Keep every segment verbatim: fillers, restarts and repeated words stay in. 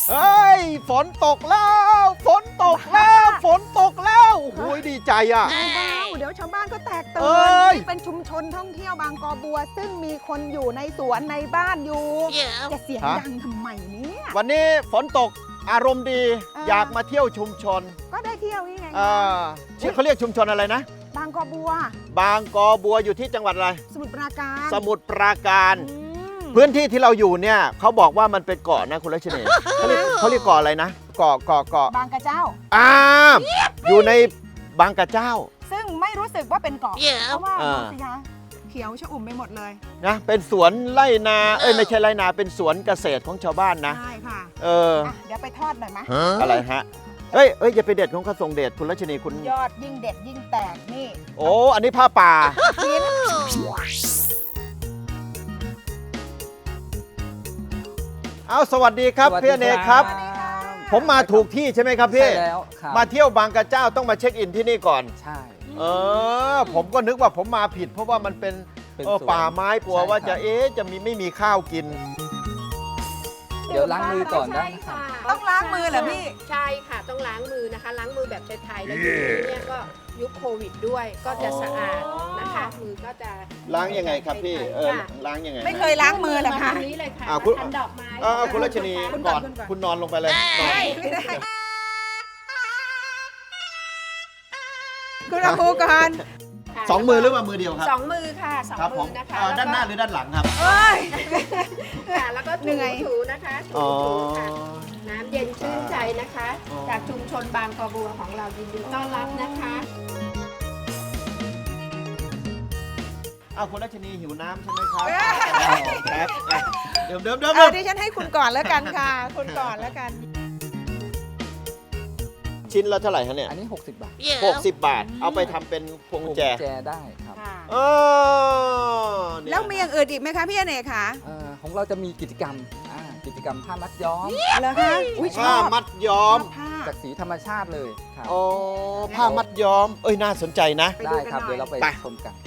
เฮ้ยฝนตกแล้วฝนตกแล้วฝนตกแล้วโอ้โหดีใจอ่ะเบาๆเดี๋ยวชาวบ้านก็แตกตื่เอ้นยนี่เป็นชุมชนท่องเที่ยวบางกอบัว ซึ่งมีคนอยู่ในสวนในบ้านอยู่จะเสียงดังทำไมเนี่ยวันนี้ฝนตกอารมณ์ดีเออออยากมาเที่ยวชุมชนก็ได้เที่ยวนี่ไงอ่าชื่อเขาเรียกชุมชนอะไรนะบางกอบัวบางกอบัวอยู่ที่จังหวัดอะไรสมุทรปราการสมุทรปราการอืมพื้นที่ที่เราอยู่เนี่ยเขาบอกว่ามันเป็นเกาะนะคุณรัชนีเขาเรียกเขาเรียกเกาะอะไรนะเกาะเกาะเกาะบางกระเจ้าอ่าอยู่ในบางกระเจ้าซึ่งไม่รู้สึกว่าเป็นเกาะเพราะว่าอ่าดูสิคะเขียวชอุ่มไปหมดเลยนะเป็นสวนไร่นาเอ้ยไม่ใช่ไร่นาเป็นสวนเกษตรของชาวบ้านนะใช่ค่ะเอออ่ะ เดี๋ยวไปทอดหน่อยไหมอะไรฮะเอ้ยเอ้ยอย่าไปเด็ดของข้าทรงเดชคุณรัชนีคุณยอดยิ่งเด็ดยิ่งแตกนี่โอ้อันนี้ผ้าป่าชิ้นเอาสวัสดีครับสวัสดีพี่อเนกครับสวัสดีค่ะผมมาถูกที่ใช่ไหมครับพี่ใช่แล้วครับมาเที่ยวบางกระเจ้าต้องมาเช็คอินที่นี่ก่อนใช่เออ ผมก็นึกว่าผมมาผิด เพราะว่ามันเป็นเป็นเออสวนป่าไม้กลัวใช่ว่าจะครับเอ๊ะจะมีไม่มีข้าวกินเดี๋ยวล้างมือก่อนได้ใช่นะครับค่ะต้องล้างมือเหรอพี่ใช่ค่ะต้องล้างมือนะคะ ล้างมือแบบไทยๆแล้วทีนี้เนี่ยก็ยุคโควิดด้วย ก็จะสะอาดนะคะ มือก็จะล้างยังไงครับพี่ เออค่ะล้างยังไงไม่เคยล้างมือเหรอมาคะทางนี้เลยค่ะอ่าคุณทันดอกไม้เออคุณรัชนีคุณก่ก่ออนนคุณก่อนคุณนอนลงไปเลยนอนไม่ได้คุณครูก่อนค่ะสองมือหรือว่ามือเดียวครับสองมือค่ะสองครับผมืมอนะคะเอ่อด้านหน้าหรือด้านหลังครับเอ้ยค่ะแล้วก็เหนื่ถูอยถูนะคะอ๋ถูอถูค่ะน้ำเย็นชื่นใจนะคะอ๋อจากชุมชนบางกอบัวของเรายินดีต้อนรับนะคะเอาคุณรัชนีหิวน้ำใช่ไหมครับเอ้ยครับอ่ะเดิมเดิมเดิมเอาดิฉันให้คุณก่อนแล้วกันค่ะ คุณก่อนแล้วกันชิ้นละเท่าไหร่ฮะเนี่ยอันนี้ หกสิบบาทหกสิบบาท เอาไปทำเป็นพวงกุญแจแจได้ครับเออเนี่ยแล้วมีอย่างอื่นอีกไหมคะพี่อเนกคะเอ่อของเราจะมีกิจกรรมอ่ากิจกรรมผ้ามัดย้อมเหรอคะอุ้ยชผ้าอบมัดย้อมผ้าจากสีธรรมชาติเลยครับอ๋อผ้ามัดย้อม เอ้ยน่าสนใจนะไปดูได้กันครับหน่อยเดี๋ยวเราไปไปชมกัน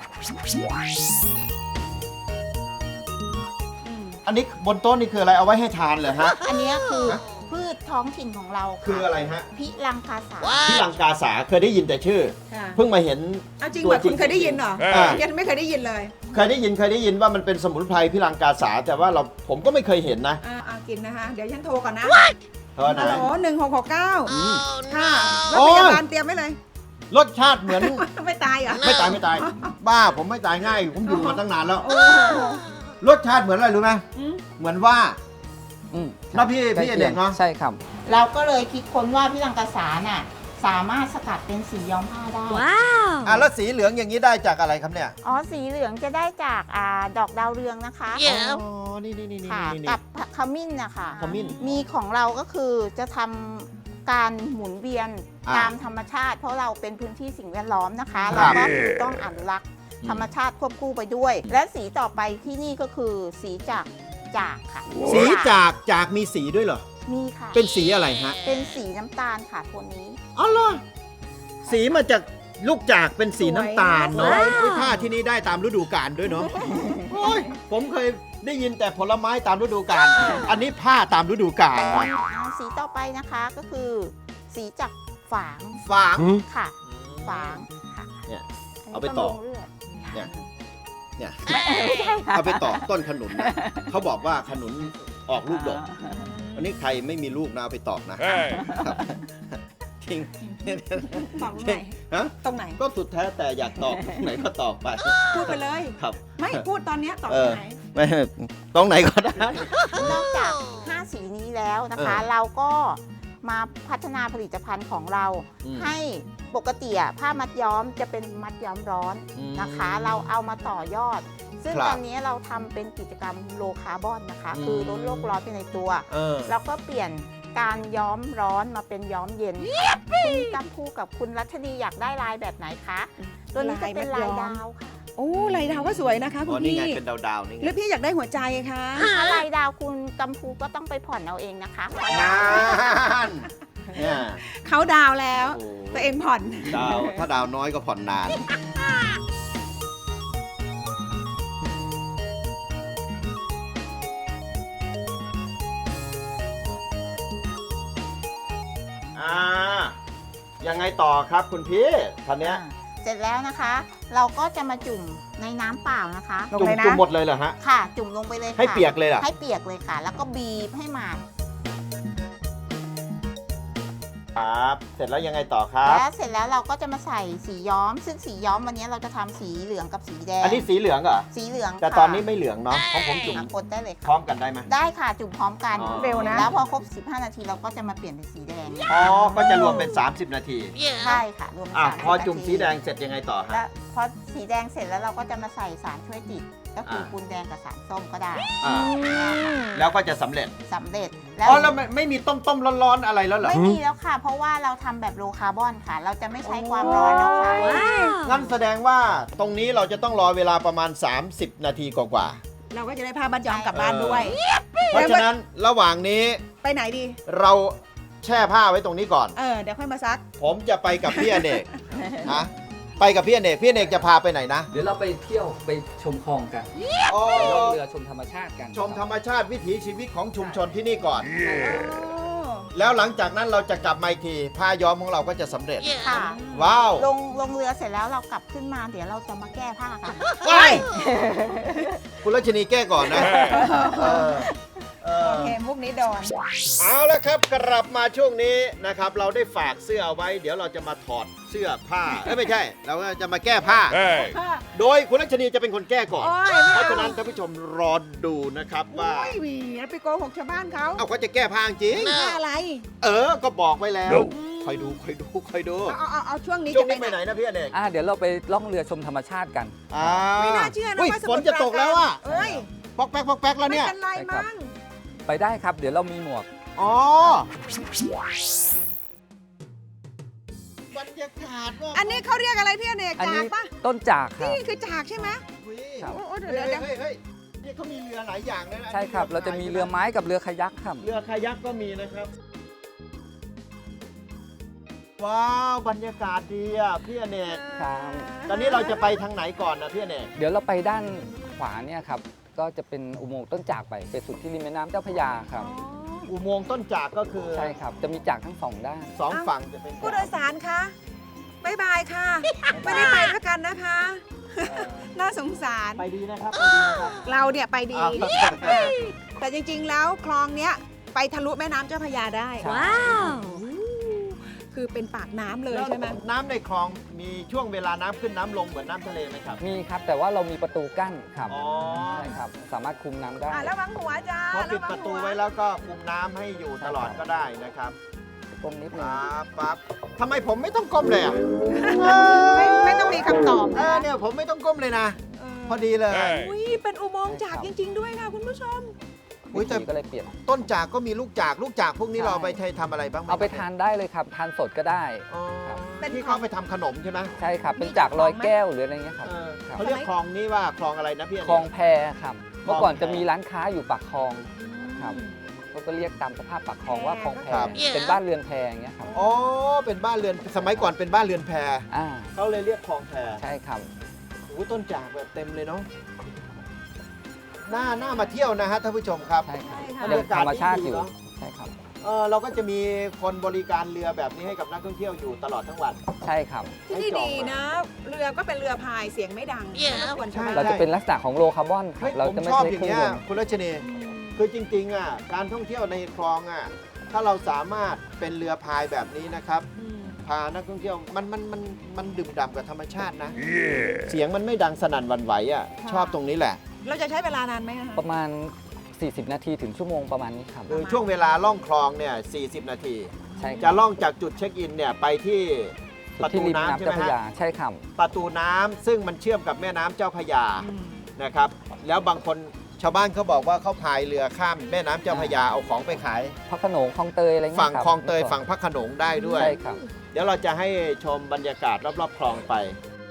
อืมอันนี้บนโต๊ะนี่คืออะไรเอาไว้ให้ทานเหรอฮะอันเนี้ยคือฮะพืชท้องถิ่นของเราคืออะไรฮะพิลังคาสาที่ลังกาสาเคยได้ยินแต่ชื่อค่ะเพิ่งมาเห็นเอาจริงตัวเหรอจริคุงณเคยได้ยินเหรออ่ายังไม่เคยได้ยินเลยเคยได้ยินเคยได้ยินว่ามันเป็นสมุนไพรพิลังกาสาแต่ว่าเราผมก็ไม่เคยเห็นนะอ่าเอากินนะคะ เดี๋ยวฉันโทรก่อนนะเพราะว่าฮัลโหลหนึ่งหกหกเก้าค่ะรถโอ้พยยาบาลเตรียมไว้เลยรสชาติเหมือนไม่ตายเหรอไม่ตายไม่ตาย บ้าผมไม่ตายง่าย ผมอยู่มาตั้งนานแล้วโอ้โหรสชาติเหมือนอะไรรู้ไหมอืมเหมือนว่าอืมแล้วพี่ใกล้พี่อคีเนยงกเนาะใช่ครับเราก็เลยคิดค้นว่าพิลังคาสาน่ะสามารถสกัดเป็นสีย้อมผ้าได้อ่ะแล้วสีเหลืองอย่างนี้ได้จากอะไรครับเนี่ยอ๋อ สีเหลืองจะได้จากอ่าดอกดาวเรืองนะคะอ๋อนี่นี่นี่นี่ค่ะนี่กับขมิ้นนะคะขมิ้นมีของเราก็คือจะทำการหมุนเวียนอ่าตามธรรมชาติ เพราะเราเป็นพื้นที่สิ่งแวดล้อมนะคะครัเราบก็คือต้องอนุรักษ์ธรรมชาติควบคู่ไปด้วย และสีต่อไปที่นี่ก็คือสีจากจากค่ะสีจากจากมีสีด้วยเหรอมีค่ะเป็นสีอะไรฮะเป็นสีน้ำตาลค่ะตัวนี้อ๋อเหรอสีมาจากลูกจากเป็นสีน้ำตาลเนาะสวยอุ๊ยผ้าที่นี่ได้ตามฤดูกาลด้วยเนาะโอ้ยผมเคยได้ยินแต่ผลไม้ตามฤดูกาลอันนี้ผ้าตามฤดูกาลอ่าสีต่อไปนะคะก็คือ สีจากฝางฝางค่ะ ฝางค่ะเนี่ยนนี้เอาไปต่อบำรุงเลือดเนี่ย เนี่ยไม่ใช่ค่ะเอาไปต่อต้นขนุนนะเขาบอกว่าขนุนออกลูกดกอันนี้ใครไม่มีลูกนะเอาไปตอกนะครับทิ้งตอกตรงไหนฮะตรงไหนก็สุดแท้แต่อยากตอกไหนก็ตอกไปพูดไปเลยครับไม่พูดตอนเนี้ยตอกเอตรองไหนไม่ตรงไหนก็ได้นอกจาก ห้า สีนี้แล้วนะคะเออเราก็มาพัฒนาผลิตภัณฑ์ของเราอืมให้ปกติอะผ้ามัดย้อมจะเป็นมัดย้อมร้อนอืมนะคะ เราเอามาต่อยอด ซึ่งครับตอนนี้เราทำเป็นกิจกรรมโลคาร์บอนนะคะอืมคือลดโลกร้อนไปในตัวเออแล้วก็เปลี่ยนการย้อมร้อนมาเป็นย้อมเย็นค่ะคุณกัมพูกับคุณรัชนีอยากได้ลายแบบไหนคะ ตัวนี้จะเป็นลายดาวค่ะโอ้ลายดาวก็สวยนะคะคุอ๋อณนี่พี่ไงเป็นดาวๆนี่ไงหรือพี่อยากได้หัวใจคะถ้าลายดาวคุณกัมพูก็ต้องไปผ่อนเอาเองนะคะนานเนี่ยเขาดาวแล้วโอ้ตัวเองผ่อนดาวถ้าดาวน้อยก็ผ่อนนานยังไงต่อครับคุณพี่คันเนี้ยอ่าเสร็จแล้วนะคะ เราก็จะมาจุ่มในน้ำเปล่านะคะลงจุ่มเลยนะจุ่มหมดเลยเหรอฮะค่ะ จุ่มลงไปเลยค่ะให้เปียกเลยเหรอให้เปียกเลยค่ะ แล้วก็บีบให้หมาดครับเสร็จแล้วยังไงต่อครับแล้วเสร็จแล้วเราก็จะมาใส่สีย้อม ซึ่งสีย้อมวันนี้เราจะทำสีเหลืองกับสีแดงอันนี้สีเหลืองเหรอสีเหลืองแต่ค่ะตอนนี้ไม่เหลืองเนาะของผมจุ่มอ่ะกดได้เลยพร้อค่ะมกันได้ไหมได้ค่ะ จุ่มพร้อมกันอ๋อเร็วนะแล้วพอครบ สิบห้า นาทีเราก็จะมาเปลี่ยนเป็นสีแดงอ๋อก็จะรวมเป็น สามสิบ นาทีใช่ค่ะ รวมเป็นอ่ะสามสิบพอจุ่มนาทีสีแดงเสร็จยังไงต่อฮะแล้วพอสีแดงเสร็จแล้วเราก็จะมาใส่สารช่วยติด ก็คืออ่าปูนแดงกับสารส้มก็ได้อ่าแล้วก็จะสำเร็จสำเร็จแล้วอ๋อแล้วไม่ไม่มีต้มต้มๆร้อนๆอะไรแล้วเหรอไม่มีแล้วค่ะ เพราะว่าเราทำแบบโลคาร์บอนค่ะ เราจะไม่ใช้ความร้อนแล้วค่ะงั้นแสดงว่าตรงนี้เราจะต้องรอเวลาประมาณ สามสิบ นาทีกว่าเราก็จะได้พาบัตรยอมกลับบ้านด้วยๆเพราะฉะนั้นระหว่างนี้ไปไหนดีเราแช่ผ้าไว้ตรงนี้ก่อนเออ เดี๋ยวค่อยมาซักผมจะไปกับพี่อเนก ฮะไปกับพี่อเนกพี่อเนกจะพาไปไหนนะเดี๋ยวเราไปเที่ยวไปชมคลองกันอ๋อไปล่องเรือชมธรรมชาติกันชมธรรมชาติวิถีชีวิตของชุมชนที่นี่ก่อน แล้วหลังจากนั้นเราจะกลับมาอีกทีผ้าย้อมของเราก็จะสำเร็จค่ะว้าวลงลงเรือเสร็จแล้วเรากลับขึ้นมา เดี๋ยวเราจะมาแก้ผ้ากันว้ายคุณรัชนีแก้ก่อนนะเออเอโออเค มุกนี้โดนเอาละครับกลับมาช่วงนี้นะครับ เราได้ฝากเสื้อเอาไว้ เดี๋ยวเราจะมาถอดเสื้อผ้าเอ้ยไม่ใช่ เราก็จะมาแก้ผ้า โดยคุณรัชนีจะเป็นคนแก้ก่อนโอ้ยไม่เพเอาราะฉะนั้นท่านผู้ชมรอดูนะครับว่าโอ้ยหวีแล้วไปโกหกชาวบ้านเขาเอาเขาจะแก้ผ้าจริงแค่อะไรเออ ก็บอกไว้แล้ว คอยดูคอยดูคอยดูเอาเอาเอาเอาช่วงนี้ช่วงจะนี้ไปไหนนะพี่อเนกอ่าเดี๋ยวเราไปล่องเรือชมธรรมชาติกันอ่าไม่น่าเชื่อนะอุ้ยว่าสฝมุนทรจะตกแล้วอ่ะเอ้ยปอกแป๊กปอกแป๊กแล้วไม่เนี่ยเป็นไรมั้งไปได้ครับ เดี๋ยวเรามีหมวกอ๋อบรรยากาศว่าอันนี้เขาเรียกอะไรพี่อเนกอันจานี้กปะต้นจากครับนี่คือจากใช่ไหมอุ๊ยครับโอ้โอ้เดี๋เฮ้ยวย เดี๋ยวเฮ้ยเฮ้ยนี่เขามีเรือหลายอย่างเลยนะใช่ครับ เราจะมีเรือไม้กับเรือคายักครับเรือคายักก็มีนะครับ ว้าวบรรยากาศดีอ่ะพี่อเนกครับตอนนี้เราจะไปทางไหนก่อนนะพี่อเนกเดี๋ยวเราไปด้านขวาเนี่ยครับ ก็จะเป็นอุโมงค์ต้นจากไปไปสุดที่ริมแม่น้ำเจ้าพระยาครับอุโมงค์ต้นจากก็คือใช่ครับ จะมีจากทั้งสองด้านสองฝั่งจะเป็นผู้โดยสารคะบายบายค่ะ ไม่ได้ไปด้วยกันนะคะ น่าสงสารไปดีนะครับไปดีนะครับเราเนี่ยไปดีอ่าอ่าแต่จริงๆ แล้วคลองเนี้ยไปทะลุแม่น้ำเจ้าพระยาได้ใช่ว้าวคือเป็นปากน้ำเลยใช่ไหมน้ำในคลองมีช่วงเวลาน้ำขึ้นน้ำลงเหมือนน้ำทะเลไหมครับมีครับ แต่ว่าเรามีประตูกั้นครับอ๋อใช่ครับ สามารถคุมน้ำได้อ่ะแล้ววังหัวจ้าพอปิดวังประตูหัไว้แล้วก็คุมน้ำให้อยู่ตลอดก็ได้นะครับตรงนิดนึงปั๊บปั๊บทำไมผมไม่ต้องก้มเลยอ่ะไม่ไม่ต้องมีคำตอบเออเนี่ยผมไม่ต้องก้มเลยนะ พอดีเลยอุ้ยเป็นอุโมงค์จากจริง ๆ ด้วยค่ะคุณผู้ชมอุ๊ยแต่วิธีก็เลยเปลี่ยนต้นจากก็มีลูกจากลูกจากพวกนี้ใช่เราเอาไปใช้ทำอะไรบ้างหมเอาไปทานได้เลยครับ ทานสดก็ได้อ๋อครับเป็นที่ขอเขางไปทำขนมใช่ไหมใช่ครับ เป็นจากลอยแก้วหรืออะไรเงี้ยครับเออครับเขาเรียกคลองนี้ว่าคลองอะไรนะพี่คลองแพครับ เมื่อก่อนคลองแพจะมีร้านค้าอยู่ปากคลองครับเขาก็เรียกตามสภาพปากคลองว่าคลองแพครับเป็นบ้านเรือนแพอย่างเงี้ยครับอ๋อเป็นบ้านเรือนสมัยก่อนเป็นบ้านเรือนแพอ่าเขาเลยเรียกคลองแพใช่ครับโอ้โหต้นจากแบบเต็มเลยเนาะหน้าหน้ามาเที่ยวนะฮะท่านผู้ชมครับใช่ครับใช่ค่ะยังธรรมชาติอยู่บรรยากาศดีๆเนอะใช่ครับเออเราก็จะมีคนบริการเรือแบบนี้ให้กับนักท่องเที่ยวอยู่ตลอดทั้งวันใช่ครับที่นี่ดีนะ เรือก็เป็นเรือพายเสียงไม่ดังไม่รบกวนชาวบ้านเราจะเป็นลักษณะของโลคาร์บอนครัเฮ้บยเราผมจะไม่ชอบใช้อย่าเคงรื่องเงี้ยยนต์คุณรัชนีคือจริงๆอ่ะการท่องเที่ยวในคลองอ่ะถ้าเราสามารถเป็นเรือพายแบบนี้นะครับอืมพานักท่องเที่ยวมันมันมันมันดื่มด่ำกับธรรมชาตินะ เสียงมันไม่ดังสนั่นหวั่นไหวอ่ะชอบตรงนี้แหละเราจะใช้เวลานานไหมคะประมาณ สี่สิบ นาทีถึงชั่วโมงประมาณนี้ครับคือช่วงเวลาล่องคลองเนี่ยสี่สิบ นาทีใช่คจะรับล่องจากจุดเช็คอินเนี่ยไปที่สุปดระที่ตูริมน้ำน้ำใช่เจ้าไหมพระฮะยาใช่ครับประตูน้ำซึ่งมันเชื่อมกับแม่น้ำเจ้าพระยาอืมนะครับ แล้วบางคนชาวบ้านเขาบอกว่าเขาพายเรือข้ามแม่น้ำเจ้าพระยาเอาของไปขายพระโขนงคลองเตยอะไรเงี้ยฝั่งรับคลองเตยฝั่งพระโขนงได้ด้วยใช่ครับเดี๋ยวเราจะให้ชมบรรยากาศรอบๆคลองไป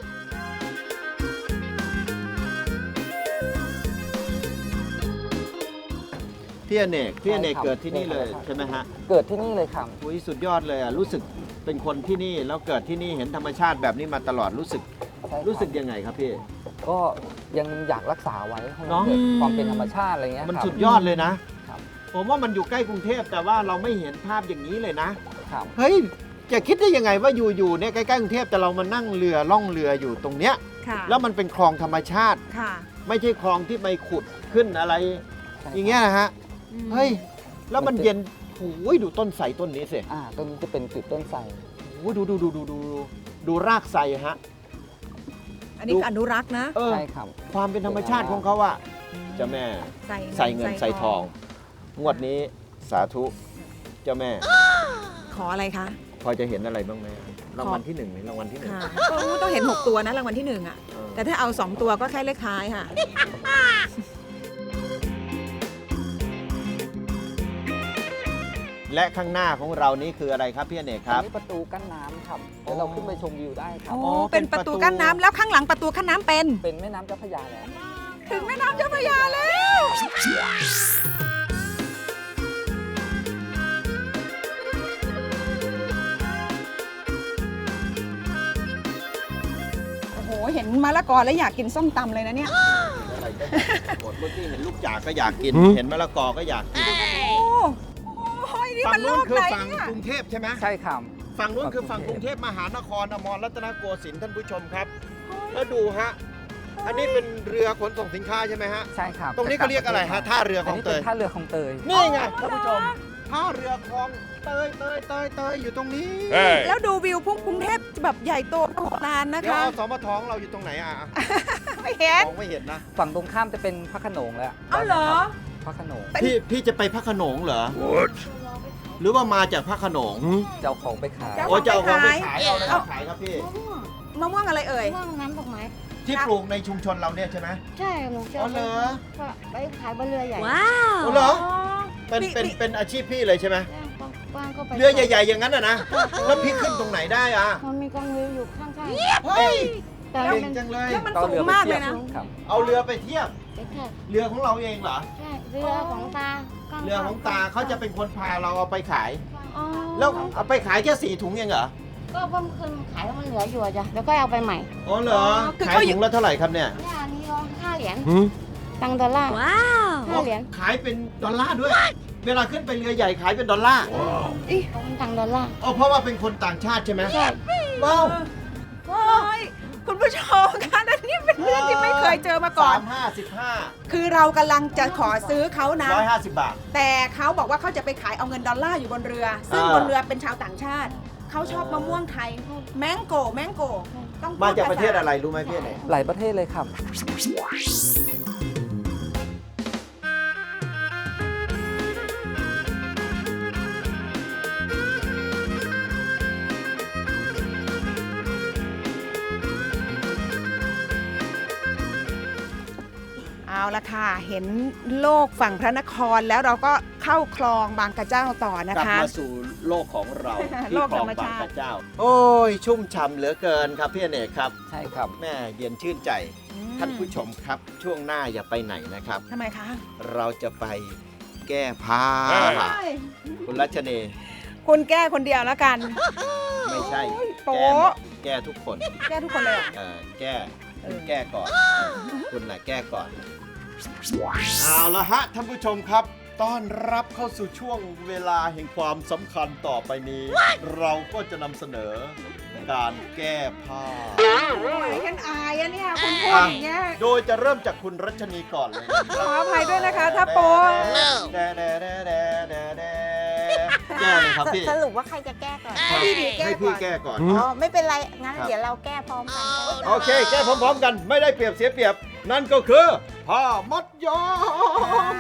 พี่อเนกพี่อเนกใช่ครับเกิดที่นี่เลยใช่ครับใช่ไหมฮะเกิดที่นี่เลยครับอุ้ยสุดยอดเลยอ่ะรู้สึกเป็นคนที่นี่แล้วเกิดที่นี่เห็นธรรมชาติแบบนี้มาตลอดรู้สึกใช่คบรู้สึกยังไงครับพี่ก็ยังอยากรักษาไว้ให้เนมันอะเกิดความเป็นธรรมชาติอะไรเงี้ยมันครับสุดยอดเลยนะครับ ผมว่ามันอยู่ใกล้กรุงเทพแต่ว่าเราไม่เห็นภาพอย่างนี้เลยนะครับเฮ้ยจะคิดได้ยังไงว่าอยู่ๆเนี่ยใกล้ๆกรุงเทพแต่เรามานั่งเรือล่องเรืออยู่ตรงเนี้ยค่ะแล้วมันเป็นคลองธรรมชาติค่ะไม่ใช่คลองที่ไปขุดขึ้นอะไร อย่างเงี้ยนะฮะอืมเฮ้ยแล้วมันเย็นโอ้ยดูต้นไทรต้นนี้สิอ่าต้นนี้จะเป็นจุดต้นไทรโอ้ยดูดูดูดูดูดูรากไทรฮะอันนี้คืออนุรักษ์นะเออใช่ครับความเป็นธรรมชาติของเขาอะเจ้าแม่ใส่ใส่เงินใส่ทอง งวดนี้สาธุเจ้าแม่ขออะไรคะพอจะเห็นอะไรบ้างไหมรางวัลที่หนึ่งไหมรางวัลที่หนึ่งค่ะก็ต้องเห็น หก ตัวนะรางวัลที่หนึ่งอ่ะเออแต่ถ้าเอา สอง ตัวก็แค่เลขท้ายค่ะและข้างหน้าของเรานี้คืออะไรครับพี่อเนกคอัรันบนี้ประตูกั้นน้ำครับเดี๋ยวเราขึ้นไปชมวิวได้ครับโอ้อ๋อเป็นประตูกั้นน้ำแล้วข้างหลังประตูกั้นน้ำเป็นเป็นแม่น้ำเจ้าพระยาแล้วถึงแม่น้ำเจ้าพระยาแล้ว โอ้โห เห็นมะละกอแล้วอยากกินส้มตำเลยนะเนี่ยอะไรก็หมดเมื่อกี้เห็นลูกจากก็อยากกิน เห็นมะละกอก็อยากกินโอ้โหนี่ฝั่มังนโลนู้นกคือไหนฝั่งเนี่ยกรุงเทพใช่ไหมใช่ครับฝั่งนู้นคือฝั่งฝั่งกกรุรุงงเทเทพพมหานครอมรรัตนโกสินทร์ท่านผู้ชมครับ แล้วดูฮะ อันนี้เป็นเรือขนส่งสินค้าใช่ไหมฮะใช่ครับตรงนี้เขาเรียกอะไรฮะท่าเรือขอันองนี้เตเป็นยท่าเรือของเตยนี่ไงท่านผู้ชมท่าเรือคลองเตยเตยเตยเตยอยู่ตรงนี้แล้วดูวิวพุ่งกรุงเทพแบบใหญ่โตมโหฬารนะเดี๋ยวคะเอาสมทของเราอยู่ตรงไหนอ่ะไม่เห็นมองไม่เห็นนะฝั่งตรงข้ามจะเป็นพระโขนงแล้วเอาเหรอพระโขนงเป็นพี่พี่จะไปพระโขนงเหรอ หรือว่ามาจากพระโขนงเจ้าของไปขายเจ้าโอ้จะเอาของไปขายขายเอาอะไรมาขายครับพี่มะม่วงอะไรเอ่ยม่วงน้ำดอกไม้ที่ปลูกในชุมชนเราเนี่ยใช่ไหมใช่หนูจะอ๋อเหรอก็ไปขายบนเรือใหญ่ว้าวอ๋อเหรอ เป็นมีเป็นมีเป็นอาชีพพี่เลยใช่ไหมกว้างๆก็ไปเรือใหญ่ๆอย่างนั้นอะนะ แล้วพี่ขึ้นตรงไหนได้อ่ะมันมีกองเรืออยู่ข้างเฮ้ยๆแต่เก่งมันจังเลยแล้วมันก็สูเรืงอไปมากเทีเลย ยนะครับเอาเรือไปเทียบเป็นแค่เรือของเราเองเหรอใช่เรือของตาก้เรือของตาเขาจะเป็นคนพาเราเอาไปขายอ๋อแล้วเอาไปขายแค่สี่ถุงเองเหรอก็เพิ่มคืนขายแล้วมันเหลืออยู่อะจ้ะแล้วก็เอาไปใหม่อ๋อเหรอคือขายเขาอยู่ถุงละเท่าไหร่ครับเนี่ยเนี่ยอันนี้ร้อยห้าเหรียญตังค์ดอลลาร์ว้าวห้าเหรียญขายเป็นดอลลาร์ด้วย เวลาขึ้นไปเรือใหญ่ขายเป็นดอลลาร์เป็นตังค์ดอลลาร์อ๋อเพราะว่าเป็นคนต่างชาติใช่ไหมใช่ว้าวโอ้ยคุณผู้ชมคะอันนี้เป็นเรื่องที่ไม่เคยเจอมาก่อนสามห้าสิบห้าคือเรากำลังจะขอซื้อเขานะร้อยห้าสิบบาทแต่เขาบอกว่าเขาจะไปขายเอาเงินดอลลาร์อยู่บนเรือ ซึ่งอ่าบนเรือเป็นชาวต่างชาติ เขาชอบมะม่วงไทย แมงโกแมงโกต้องพูดมาจากภษประเทศอะไรรู้ไหมพี่ไหนหลายประเทศเลยครับเอาละค่ะ เห็นโลกฝั่งพระนครแล้วเราก็เข้าคลองบางกระเจ้าต่อนะกลับคะมาสู่โลกของเราโลที่กคลธรองรมบางชาติกระเจ้า โอ้ย ชุ่มฉ่ำเหลือเกินครับพี่อเนกครับใช่ครับแม่เย็นชื่นใจ ท่านผู้ชมครับ ช่วงหน้าอย่าไปไหนนะครับทำไมคะเราจะไปแก้ผ้า คุณรัชเนยคุณแก้คนเดียวแล้วกันไม่ใช่โป๊แก้หมะดแก้ทุกคนแก้ทุกคนเลยเหรอเออแก้คุณแก้ก่อน คุณน่ะแก้ก่อน เอาละฮะท่านผู้ชมครับ ต้อนรับเข้าสู่ช่วงเวลาแห่งความสำคัญต่อไปนี้ เราก็จะนำเสนอการแก้ผ้าโอ้ยฉันอายอะเนี่ยคุณพูดอย่างเงี้ยโดยจะเริ่มจากคุณรัชนีก่อนเลยขออภัยด้วยนะคะถ้าโป๊ะแดแดแดแดแดแดแก้เลยครับพี่สรุปว่าใครจะแก้ก่อนให้พี่ดีแก้ให้ก่พี่อนแก้ก่อนอ๋อ ไม่เป็นไร งั้นครับเดี๋ยวเราแก้พร้อมกันโอเค แก้พร้อมๆกันไม่ได้เปรียบเสียเปรียบ นั่นก็คือผ้ามัดย้อม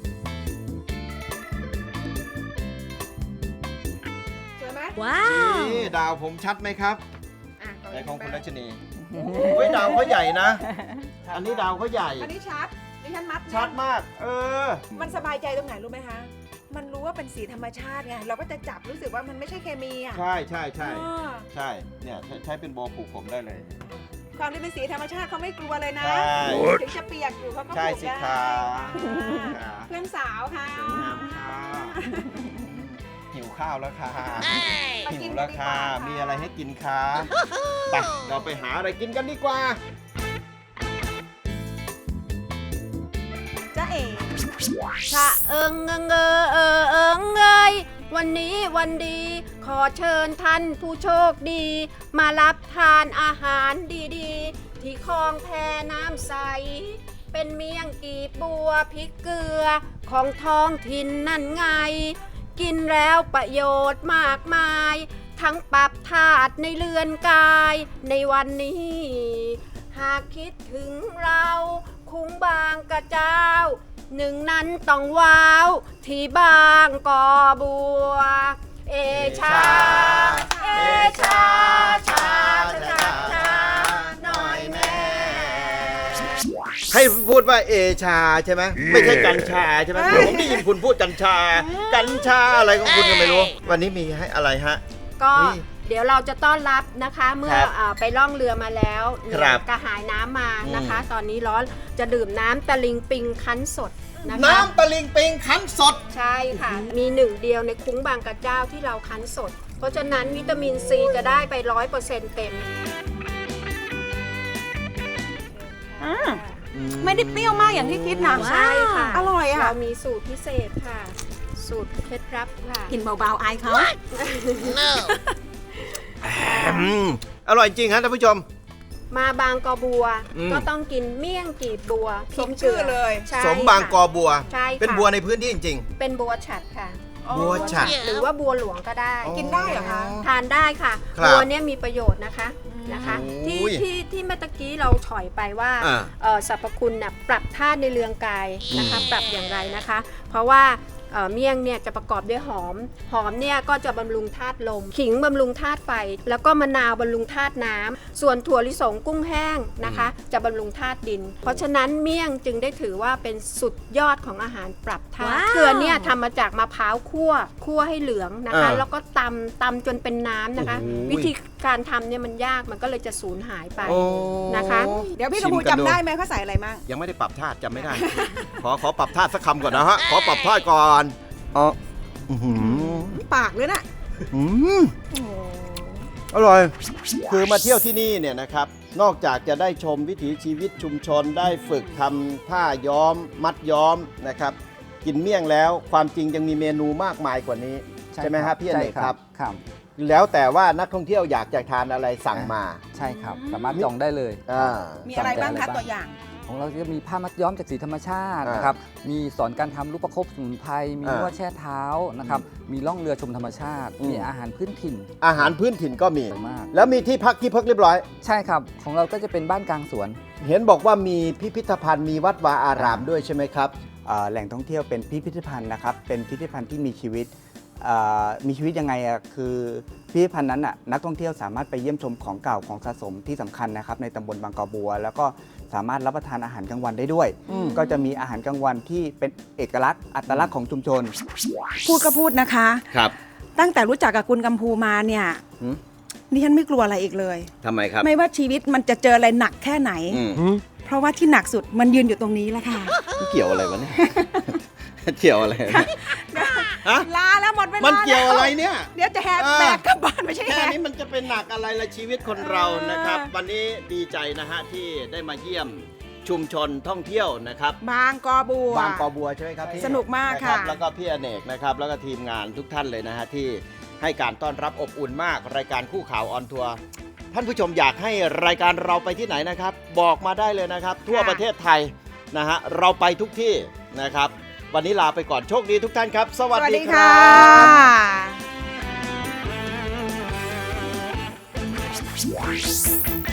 สวยไหมนี่ดาวผมชัดไหมครับอ่ะต่ในของคุณรัชนีโอ้เฮ้ยดาวเขาใหญ่นะ อันนี้ดาวเขาใหญ่อันนี้ชัดดิฉันมัดนะชัดมาก เออมันสบายใจตรงไหนรู้ไหมคะ มันรู้ว่าเป็นสีธรรมชาติไง เราก็จะจับรู้สึกว่ามันไม่ใช่เคมีอ่ะใช่ใช่ใช่อ่าใช่ เนี่ยใช้ใช้เป็นโบผูกผมได้เลยความที่เป็นสีธรรมชาติเขาไม่กลัวเลยนะใช่ถึงจะเปียกอยู่เขาก็ใช่ผูกสิได้คะอ่าเพื่อนสาวค่ะสวยงามค่ะหิวข้าวแล้วค่ะมาหิกินวกัแล้นวดีกค่ะว่ามีอะไรให้กินคะไปเราไปหาอะไรกินกันดีกว่าจ้าเอ๋ชะเอิงเอิงเออเออเอิงเอยวันนี้วันดี ขอเชิญท่านผู้โชคดี มารับทานอาหารดีๆ ที่คลองแพน้ำใส เป็นเมี่ยงกีบบัวพริกเกลือของท้องถิ่นนั่นไง กินแล้วประโยชน์มากมาย ทั้งปรับธาตุในเรือนกายในวันนี้ หากคิดถึงเราคุ้งบางกระเจ้า หนึ่งนั้นต้องว้าว ที่บางกอบัว เอชา เอชา ชา ชา ชา หน่อยแม่ให้พูดว่าเอชาใช่ไหมไม่ใช่กัญชาใช่ไหมผมได้ยินคุณพูดกัญชา กัญชาอะไรของคุณก็ไม่รู้ วันนี้มีให้อะไรฮะก็นี่เดี๋ยวเราจะต้อนรับนะคะเมื่อครับอาไปล่องเรือมาแล้วเหนื่ครัอยบกระหายน้ำมานะคะอืมตอนนี้ร้อนจะดื่มน้ำตะลิงปิงคั้นสดนะคะน้ำตะลิงปิงคั้นสดใช่ค่ะ มีหนึ่งเดียวในคุ้งบางกระเจ้าที่เราคั้นสด เพราะฉะนั้นวิตามินซีจะได้ไปร้อยเปอร์เซ็นต์เต็มอืม ไม่ได้เปรี้ยวมากอย่างที่คิดนะใช่ค่ะอร่อยอ่ะเรามีสูตรพิเศษค่ะ สูตรเคล็ดลับค่ะกินเบาๆอายเขาอืมอร่อยจริงฮะท่านผู้ชมมาบางกอบัวอืมก็ต้องกินเมี่ยงกีบบัวสมชื่อเลยใช่สมบางกอบัวใช่ค่ะเป็นบัวในพื้นที่จริงเป็นบัวฉัดค่ะๆ บัวฉัดหรือว่าบัวหลวงก็ได้กินได้เหรอคะทานได้ค่ะครับบัวเนี่ยมีประโยชน์นะคะนะคะโอ้ที่ยที่ที่เมื่อตะกี้เราถอยไปว่าอ่าเอ่อสรรพคุณน่ะปรับธาตุในเรืองกายนะคะอืมปรับอย่างไรนะคะ เพราะว่าเอ่อเมี่ยงเนี่ยจะประกอบด้วยหอม หอมเนี่ยก็จะบำรุงธาตุลม ขิงบำรุงธาตุไฟ แล้วก็มะนาวบำรุงธาตุน้ำส่วนถั่วลิสงกุ้งแห้งนะคะ จะบำรุงธาตุดิน เพราะฉะนั้นเมี่ยงจึงได้ถือว่าเป็นสุดยอดของอาหารปรับธาตุว้าวเกลือเนี่ยทำมาจากมะพร้าวคั่วคั่วให้เหลืองนะคะอ่าแล้วก็ตำตำจนเป็นน้ำนะคะโอ้โหวิธีการทำเนี่ยมันยากมันก็เลยจะสูญหายไปโอ้นะคะเดี๋ยวพี่กระพูชิมกันดูจำได้ไหมเขาใส่อะไรมั่งยังไม่ได้ปรับธาตุจำไม่ได้ ขอขอปรับธาตุสักคำก่อนนะฮะ ขอปรับธาตุก่อนอ๋ออื้อหือปากเลยนะอืมอร่อย คือมาเที่ยวที่นี่เนี่ยนะครับ นอกจากจะได้ชมวิถีชีวิตชุมชนได้ฝึกทำผ้าย้อม มัดย้อมนะครับ กินเมี่ยงแล้วความจริงยังมีเมนูมากมายกว่านี้ ใช่ไหมครับพี่อเนกครับครับแล้วแต่ว่านักท่องเที่ยวอยากจะทานอะไรสั่งมาใช่ครับ สามารถจองได้เลยอ่ามีอะไรบ้างสั่คะงได้ตัวอย่างของเราจะมีผ้ามัดย้อมจากสีธรรมชาติอ่านนะครับ มีสอนการทำลูกประคบสมุนไพร มีอ่านนวดแช่เท้านะครับ มีล่องเรือชมธรรมชาติอืมมีอาหารพื้นถิ่นอาหารพื้นถิ่นก็มีสวยมากแล้วมีที่พักที่พักเรียบร้อยใช่ครับ ของเราก็จะเป็นบ้านกลางสวนเห็นบอกว่ามีพิพิธภัณฑ์มีวัดวาอารามด้วยใช่ไหมครับเอ่อแหล่งท่องเที่ยวเป็นพิพิธภัณฑ์นะครับ เป็นพิพิธภัณฑ์ที่มีชีวิตเอ่อมีชีวิตยังไงอะคือพิพิธภัณฑ์นั้นน่ะนักท่องเที่ยวสามารถไปเยี่ยมชมของเก่าของสะสมที่สำคัญนะครับในตำบลบางกอบัว แล้วก็สามารถรับประทานอาหารกลางวันได้ด้วยอืมก็จะมีอาหารกลางวันที่เป็นเอกลักษณ์อัตลักษณ์ของชุมชนพูดก็พูดนะคะครับตั้งแต่รู้จักกับคุณกัมพูมาเนี่ยหืมดิฉันไม่กลัวอะไรอีกเลยทำไมครับไม่ว่าชีวิตมันจะเจออะไรหนักแค่ไหนอืมเพราะว่าที่หนักสุดมันยืนอยู่ตรงนี้แหละค่ะมันเกี่ยวอะไรวะเนี่ย เกี่ยวอะไรเนี่ยฮะลาแล้วหมดเวลามันเกี่ยวอะไรแล้วเนี่ยเดี๋ยวจะแหกเออแบกกลับบ้านไม่ใช่แค่แหกนี้มันจะเป็นหนักอะไรละชีวิตคนเรานะครับเออวันนี้ดีใจนะฮะที่ได้มาเยี่ยมชุมชนท่องเที่ยวนะครับบางกอบัวบางกอบัวใช่ไหมครับพี่สนุกมากนรับค่ะแล้วก็พี่อเนกนะครับ แล้วก็ทีมงานทุกท่านเลยนะฮะที่ให้การต้อนรับอบอุ่นมากรายการคู่ข่าวออนทัวร์ท่านผู้ชมอยากให้รายการเราไปที่ไหนนะครับ บอกมาได้เลยนะครับ ทั่วประเทศไทยนะฮะเราไปทุกที่นะครับ วันนี้ลาไปก่อนโชคดีทุกท่านครับ สวัสดีครัสวัสดีค่ะบ